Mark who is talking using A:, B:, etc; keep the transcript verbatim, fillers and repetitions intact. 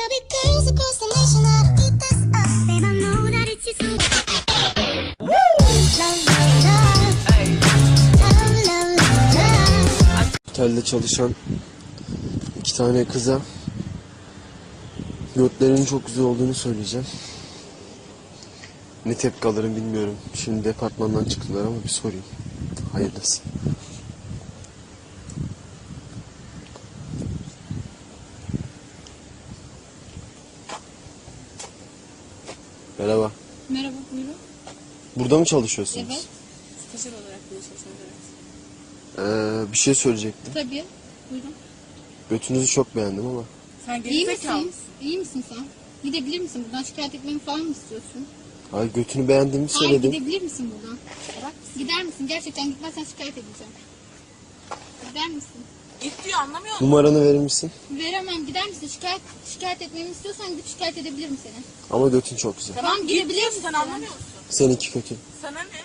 A: Otelde çalışan iki tane kıza götlerinin çok güzel olduğunu söyleyeceğim. Ne tepki alırım bilmiyorum. Şimdi departmandan çıktılar ama bir sorayım. Hayırlısı. Merhaba.
B: Merhaba, buyurun.
A: Burada mı çalışıyorsunuz?
B: Evet. Stajyer olarak burada çalışıyoruz, evet.
A: Ee, bir şey söyleyecektim.
B: Tabii, buyurun.
A: Götünüzü çok beğendim ama.
C: Sen
B: İyi
C: gerizekalı
B: misin?
C: mısın?
B: İyi misin sen? Gidebilir misin buradan? Şikayet etmemi falan mı istiyorsun?
A: Ay götünü beğendiğimi
B: Hayır,
A: söyledim.
B: gidebilir misin buradan? Bırak. Gider misin? Gerçekten gitmezsen şikayet edeceğim. Gider misin?
C: Git diyor, anlamıyor musun?
A: Numaranı verir misin?
B: Veremem. Gider misin? Şikayet şikayet etmemi istiyorsan gidip şikayet edebilirim seni.
A: Ama götün çok güzel.
B: Tamam,
C: Git
B: gidebilir
C: diyor,
B: misin?
C: sen anlamıyor musun?
A: Seninki kötü.
C: Sana ne?